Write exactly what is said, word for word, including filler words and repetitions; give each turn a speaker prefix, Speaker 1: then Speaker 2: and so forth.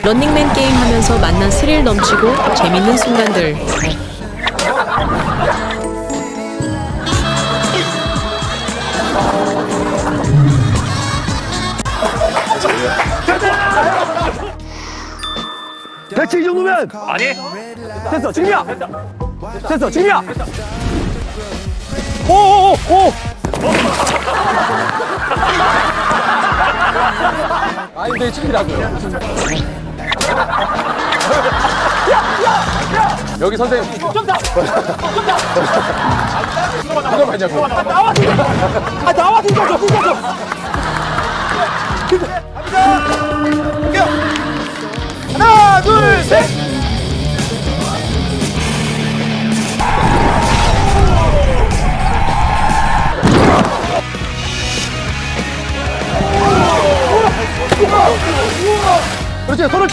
Speaker 1: 런닝맨 게임 하면서 만난 스릴 넘치고 재밌는 순간들.
Speaker 2: 대체 이 정도면
Speaker 3: 아니?
Speaker 2: 됐어 지금이야 됐어 지금이야 오오오 오. 아니 내 지금이라고요. 여기 선생님 좀더 누가 맞냐고. 아 나와 아 나와 진짜 좀 진짜 좀. 하나 둘 셋. 그렇지 손을